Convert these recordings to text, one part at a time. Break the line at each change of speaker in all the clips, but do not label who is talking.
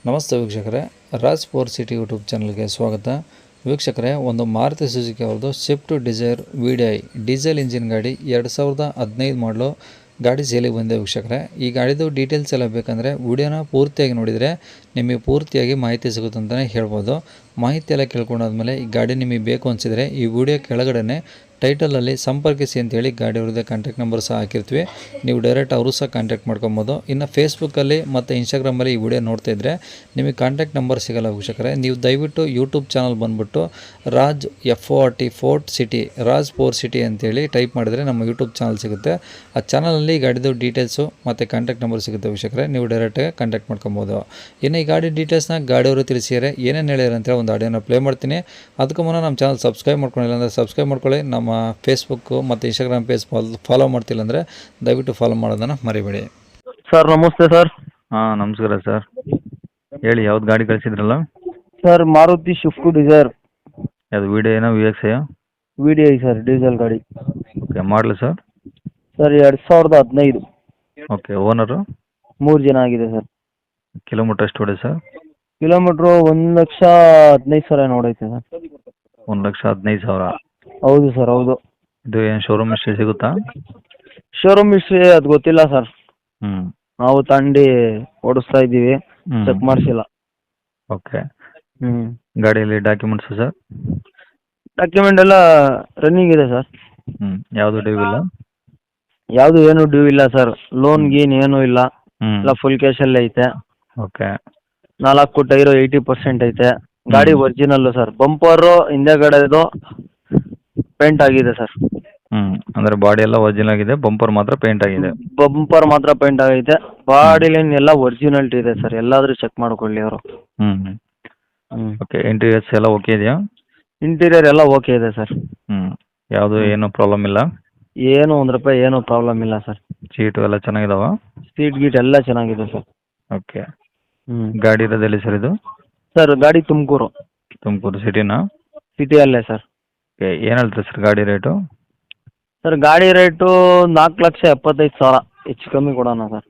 ನಮಸ್ತೆ ವೀಕ್ಷಕರೇ, Raj four city YouTube ಚಾನಲ್ಗೆ ಸ್ವಾಗತ. ವೀಕ್ಷಕರೇ, ಒಂದು ಮಾರುತಿ ಸುಜುಕಿ ಅವ್ರದ್ದು Swift Dzire VDI diesel engine ಗಾಡಿ 2015 ಮಾಡಲು ಗಾಡಿ ಸೇಲಿಗೆ ಬಂದಿದೆ. ವೀಕ್ಷಕರೇ, ಈ ಗಾಡಿದು ಡೀಟೇಲ್ಸ್ ಎಲ್ಲ ಬೇಕಂದರೆ ವಿಡಿಯೋನ ಪೂರ್ತಿಯಾಗಿ ನೋಡಿದರೆ ನಿಮಗೆ ಪೂರ್ತಿಯಾಗಿ ಮಾಹಿತಿ ಸಿಗುತ್ತೆ ಅಂತಲೇ ಹೇಳ್ಬೋದು. ಮಾಹಿತಿ ಎಲ್ಲ ಕೇಳ್ಕೊಂಡಾದ್ಮೇಲೆ ಈ ಗಾಡಿ ನಿಮಗೆ ಬೇಕು ಅನಿಸಿದರೆ ಈ ವಿಡಿಯೋ ಕೆಳಗಡೆ ಟೈಟಲಲ್ಲಿ ಸಂಪರ್ಕಿಸಿ ಅಂತೇಳಿ ಗಾಡಿ ಅವ್ರದ್ದೇ ಕಾಂಟ್ಯಾಕ್ಟ್ ನಂಬರ್ ಸಹ ಹಾಕಿರ್ತೀವಿ. ನೀವು ಡೈರೆಕ್ಟ್ ಅವರು ಸಹ ಕಾಂಟ್ಯಾಕ್ಟ್ ಮಾಡ್ಕೊಬೋದು. ಇನ್ನು ಫೇಸ್ಬುಕ್ಕಲ್ಲಿ ಮತ್ತು ಇನ್ಸ್ಟಾಗ್ರಾಮಲ್ಲಿ ಈ ವಿಡಿಯೋ ನೋಡ್ತಾ ಇದ್ದರೆ ನಿಮಗೆ ಕಾಂಟ್ಯಾಕ್ಟ್ ನಂಬರ್ ಸಿಗೋಲ್ಲ. ವೀಕ್ಷಕರೇ, ನೀವು ದಯವಿಟ್ಟು ಯೂಟ್ಯೂಬ್ ಚಾನಲ್ ಬಂದುಬಿಟ್ಟು Raj FORT city Raj 4 city ಅಂತೇಳಿ ಟೈಪ್ ಮಾಡಿದರೆ ನಮ್ಮ ಯೂಟ್ಯೂಬ್ ಚಾನಲ್ ಸಿಗುತ್ತೆ. ಆ ಚಾನಲಲ್ಲಿ ಗಾಡಿದು ಡೀಟೇಲ್ಸು ಮತ್ತು ಕಾಂಟ್ಯಾಕ್ಟ್ ನಂಬರ್ ಸಿಗುತ್ತೆ. ವೀಕ್ಷಕರೇ, ನೀವು ಡೈರೆಕ್ಟಾಗಿ ಕಾಂಟ್ಯಾಕ್ಟ್ ಮಾಡ್ಕೊಬೋದು. ಇನ್ನು ಈ ಗಾಡಿ ಡೀಟೇಲ್ಸ್ನ ಗಾಡಿಯವರು ತಿಳಿಸಿದರೆ ಏನೇನು ಹೇಳಿದ್ರು ಅಂತೇಳಿ ಒಂದು ಆಡಿಯೋನ ಪ್ಲೇ ಮಾಡ್ತೀನಿ. ಅದಕ್ಕೂ ಮುನ್ನ ನಮ್ಮ ಚಾನಲ್ ಸಬ್ಸ್ಕ್ರೈಬ್ ಮಾಡ್ಕೊಂಡಿಲ್ಲ ಅಂದರೆ ಸಬ್ಸ್ಕ್ರೈಬ್ ಮಾಡ್ಕೊಳ್ಳಿ. ನಮ್ಮ ಫೇಸ್ಬುಕ್ಕು ಮತ್ತು ಇನ್ಸ್ಟಾಗ್ರಾಮ್ ಪೇಜ್ ಫಾಲೋ ಮಾಡ್ತಿಲ್ಲ ಅಂದರೆ ದಯವಿಟ್ಟು ಫಾಲೋ ಮಾಡೋದನ್ನು ಮರಿಬೇಡಿ.
ಸರ್ ನಮಸ್ತೆ ಸರ್.
ಹಾಂ ನಮಸ್ಕಾರ ಸರ್, ಹೇಳಿ ಯಾವ್ದು ಗಾಡಿ ಕಳಿಸಿದ್ರಲ್ಲ?
ಸರ್ ಮಾರುತಿ ಶಿಫ್ಟ್ ಡಿಸೈರ್
ಯಾವುದು VDIನ VXIಯ?
VDI ಸರ್, ಡೀಸೆಲ್ ಗಾಡಿ.
ಓಕೆ, ಮಾಡಲಿ ಸರ್?
ಸರ್ 2015.
Okay, owner?
3 ಜನ ಆಗಿದೆ ಸರ್.
ಕಿಲೋಮೀಟ್ರ್ ಎಷ್ಟು ಹೊಡೆ ಸರ್?
Kilometre 1,15,000 ನೋಡೈತೆ sir.
1,15,000.
ಹೌದು ಸರ್, ಹೌದು.
ಇದು ಏನು ಶೋರೂಮ್ ಹಿಸ್ಟ್ರಿ ಸಿಗುತ್ತಾ?
ಶೋರೂಮ್ ಹಿಸ್ಟ್ರಿ ಅದು ಗೊತ್ತಿಲ್ಲ ಸರ್.
ಹ್ಞೂ.
ನಾವು ತಂಡಿ ಓಡಿಸ್ತಾ ಇದ್ದೀವಿ, ಚೆಕ್ ಮಾಡಿಸಿಲ್ಲ.
ಓಕೆ.
ಹ್ಞೂ.
ಗಾಡಿಯಲ್ಲಿ ಡಾಕ್ಯುಮೆಂಟ್ಸು ಸರ್?
ಡಾಕ್ಯುಮೆಂಟ್ ಎಲ್ಲ ರನ್ನಿಂಗ್ ಇದೆ ಸರ್.
ಹ್ಞೂ. ಯಾವುದು ಡ್ಯೂ ಇಲ್ಲ?
ಯಾವುದು ಏನು ಡ್ಯೂ ಇಲ್ಲ ಸರ್. ಲೋನ್ ಗೀನ್ ಏನೂ ಇಲ್ಲ.
ಹ್ಞೂ.
ಎಲ್ಲ ಫುಲ್ ಕ್ಯಾಶಲ್ಲೇ ಐತೆ.
ಓಕೆ.
4 ಟೈರು 80% ಐತೆ. ಗಾಡಿ ಒರಿಜಿನಲ್ಲು ಸರ್. ಬಂಪರು ಹಿಂದೆಗಡೆದು ಪೇಂಟ್ ಆಗಿದೆ ಸರ್.
ಹ್ಞೂ, ಅಂದರೆ ಬಾಡಿ ಎಲ್ಲ ಒರಿಜಿನಲ್ ಆಗಿದೆ, ಬಂಪರ್ ಮಾತ್ರ ಪೇಂಟ್ ಆಗಿದೆ.
ಬಂಪರ್ ಮಾತ್ರ ಪೇಂಟ್ ಆಗೈತೆ. ಬಾಡಿ ಲೈನ್ ಎಲ್ಲ ಒರಿಜಿನಾಲಿಟಿ ಇದೆ ಸರ್. ಎಲ್ಲಾದರೂ ಚೆಕ್ ಮಾಡ್ಕೊಳ್ಳಿ ಅವರು.
ಹ್ಞೂ.
ಹ್ಞೂ.
ಓಕೆ, ಇಂಟೀರಿಯರ್ಸ್ ಎಲ್ಲ ಓಕೆ ಇದೆಯಾ?
ಇಂಟೀರಿಯರ್ ಎಲ್ಲ ಓಕೆ ಇದೆ ಸರ್.
ಹ್ಞೂ. ಯಾವುದು ಏನು ಪ್ರಾಬ್ಲಮ್ ಇಲ್ಲ?
ಏನು ₹1 ಏನೂ ಪ್ರಾಬ್ಲಮ್ ಇಲ್ಲ ಸರ್.
ಸೀಟು ಎಲ್ಲ ಚೆನ್ನಾಗಿದಾವ?
ಸೀಟ್ ಗೀಟ್ ಎಲ್ಲ ಚೆನ್ನಾಗಿದೆ ಸರ್.
ಓಕೆ.
ಹ್ಞೂ.
ಗಾಡಿ ಇರೋದೆಲ್ಲಿ ಸರ್ ಇದು?
ಸರ್ ಗಾಡಿ ತುಮಕೂರು
ಸಿಟಿನಾ?
ಸಿಟಿಯಲ್ಲೇ ಸರ್.
ಓಕೆ, ಏನು ಹೇಳ್ತೀರಿ ಸರ್ ಗಾಡಿ ರೇಟು?
ಸರ್ ಗಾಡಿ ರೇಟು 4,75,000 ಹೆಚ್ಚು ಕಮ್ಮಿ ಕೊಡೋಣ ಸರ್.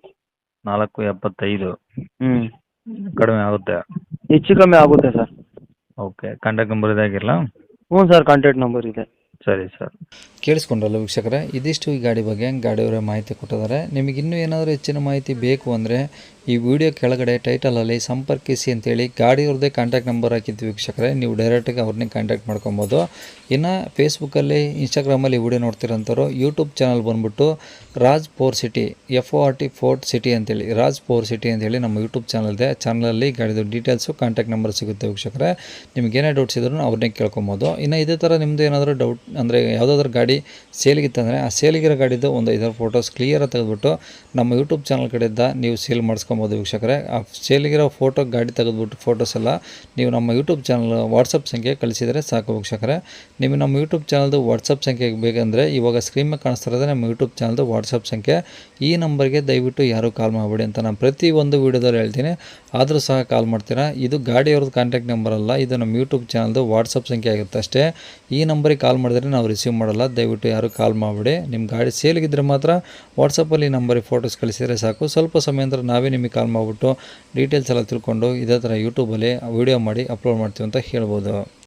4,75,000
ಹ್ಞೂ.
ಕಡಿಮೆ ಆಗುತ್ತೆ?
ಹೆಚ್ಚು ಕಮ್ಮಿ ಆಗುತ್ತೆ ಸರ್.
ಓಕೆ, ಕಾಂಟ್ಯಾಕ್ಟ್ ನಂಬರ್ ಇದಾಗಿರಲ್ಲ?
ಹ್ಞೂ ಸರ್, ಕಾಂಟ್ಯಾಕ್ಟ್ ನಂಬರ್ ಇದೆ.
ಸರಿ ಸರ್.
ಕೇಳಿಸ್ಕೊಂಡ್ರಲ್ಲ ವೀಕ್ಷಕರೇ, ಇದಿಷ್ಟು ಈ ಗಾಡಿ ಬಗ್ಗೆ ಗಾಡಿಯವರೇ ಮಾಹಿತಿ ಕೊಟ್ಟಿದ್ದಾರೆ. ನಿಮಗೆ ಇನ್ನೂ ಏನಾದರೂ ಹೆಚ್ಚಿನ ಮಾಹಿತಿ ಬೇಕು ಅಂದರೆ ಈ ವಿಡಿಯೋ ಕೆಳಗಡೆ ಟೈಟಲಲ್ಲಿ ಸಂಪರ್ಕಿಸಿ ಅಂತೇಳಿ ಗಾಡಿಯವ್ರದ್ದೇ ಕಾಂಟ್ಯಾಕ್ಟ್ ನಂಬರ್ ಹಾಕಿದ್ವಿ ವೀಕ್ಷಕರೇ. ನೀವು ಡೈರೆಕ್ಟಾಗಿ ಅವ್ರನ್ನೇ ಕಾಂಟ್ಯಾಕ್ಟ್ ಮಾಡ್ಕೊಬೋದು. ಇನ್ನು ಫೇಸ್ಬುಕ್ಕಲ್ಲಿ ಇನ್ಸ್ಟಾಗ್ರಾಮಲ್ಲಿ ವಿಡಿಯೋ ನೋಡ್ತಿರೋಂಥವ್ರು ಯೂಟ್ಯೂಬ್ ಚಾನಲ್ ಬಂದುಬಿಟ್ಟು ರಾಜ್ 4 ಸಿಟಿ FORT ಸಿಟಿ ಅಂತೇಳಿ ರಾಜ್ 4 ಸಿಟಿ ಅಂತೇಳಿ ನಮ್ಮ ಯೂಟ್ಯೂಬ್ ಚಾನಲ್ ಇದೆ. ಚಾನಲಲ್ಲಿ ಗಾಡಿದು ಡೀಟೇಲ್ಸು ಕಾಂಟ್ಯಾಕ್ಟ್ ನಂಬರ್ ಸಿಗುತ್ತೆ ವೀಕ್ಷಕರೇ. ನಿಮ್ಗೆ ಏನೇ ಡೌಟ್ಸ್ ಇದ್ರೂ ಅವ್ರನ್ನೇ ಕೇಳ್ಕೊಬೋದು. ಇನ್ನು ಇದೇ ಥರ ನಿಮ್ಮದು ಏನಾದರೂ ಡೌಟ್ ಅಂದರೆ ಯಾವುದಾದ್ರೂ ಗಾಡಿ ಸೇಲಿಗಿತ್ತಂದರೆ ಆ ಸೇಲಿಗಿರೋ ಗಾಡಿದು ಒಂದು 5 ಫೋಟೋಸ್ ಕ್ಲಿಯರಾಗಿ ತೆಗೆದುಬಿಟ್ಟು ನಮ್ಮ ಯೂಟ್ಯೂಬ್ ಚಾನಲ್ ಕಡೆಯಿಂದ ನೀವು ಸೇಲ್ ಮಾಡಿಸ್ಕೊಬೋದು ವೀಕ್ಷಕರೇ. ಆ ಸೇಲಿಗಿರೋ ಫೋಟೋ ಗಾಡಿ ತೆಗೆದುಬಿಟ್ಟು ಫೋಟೋಸ್ ಎಲ್ಲ ನೀವು ನಮ್ಮ ಯೂಟ್ಯೂಬ್ ಚಾನಲ್ ವಾಟ್ಸಪ್ ಸಂಖ್ಯೆ ಕಳಿಸಿದರೆ ಸಾಕು ವೀಕ್ಷಕರೇ. ನಿಮಗೆ ನಮ್ಮ ಯೂಟ್ಯೂಬ್ ಚಾನಲ್ದು ವಾಟ್ಸಪ್ ಸಂಖ್ಯೆ ಬೇಕಂದರೆ ಇವಾಗ ಸ್ಕ್ರೀನ್ ಮೇಲೆ ಕಾಣಿಸ್ತಾ ಇರೋದೇ ನಮ್ಮ ಯೂಟ್ಯೂಬ್ ಚಾನಲ್ದು ವಾಟ್ಸಪ್ ಸಂಖ್ಯೆ. ಈ ನಂಬರ್ಗೆ ದಯವಿಟ್ಟು ಯಾರೂ ಕಾಲ್ ಮಾಡಬೇಡಿ ಅಂತ ನಾನು ಪ್ರತಿಯೊಂದು ವೀಡಿಯೋದಲ್ಲಿ ಹೇಳ್ತೀನಿ. ಆದರೂ ಸಹ ಕಾಲ್ ಮಾಡ್ತೀರಾ. ಇದು ಗಾಡಿಯವ್ರದ್ದು ಕಾಂಟ್ಯಾಕ್ಟ್ ನಂಬರ್ ಅಲ್ಲ, ಇದು ನಮ್ಮ ಯೂಟ್ಯೂಬ್ ಚಾನಲ್ದು ವಾಟ್ಸಪ್ ಸಂಖ್ಯೆ ಆಗುತ್ತೆ ಅಷ್ಟೇ. ಈ ನಂಬರಿಗೆ ಕಾಲ್ ಮಾಡಿದ್ರೆ ನಾವು ರಿಸೀವ್ ಮಾಡಲ್ಲ. ದಯವಿಟ್ಟು ಯಾರು ಕಾಲ್ ಮಾಡಿಬಿಡಿ. ನಿಮ್ಮ ಗಾಡಿ ಸೇಲ್ಗಿದ್ರೆ ಮಾತ್ರ ವಾಟ್ಸಪ್ಪಲ್ಲಿ ಈ ನಂಬರಿಗೆ ಫೋಟೋಸ್ ಕಳಿಸಿದರೆ ಸಾಕು. ಸ್ವಲ್ಪ ಸಮಯ ನಂತರ ನಾವೇ ನಿಮಗೆ ಕಾಲ್ ಮಾಡಿಬಿಟ್ಟು ಡೀಟೇಲ್ಸ್ ಎಲ್ಲ ತಿಳ್ಕೊಂಡು ಇದೇ ಥರ ಯೂಟ್ಯೂಬಲ್ಲಿ ವೀಡಿಯೋ ಮಾಡಿ ಅಪ್ಲೋಡ್ ಮಾಡ್ತೀವಿ ಅಂತ ಹೇಳ್ಬೋದು.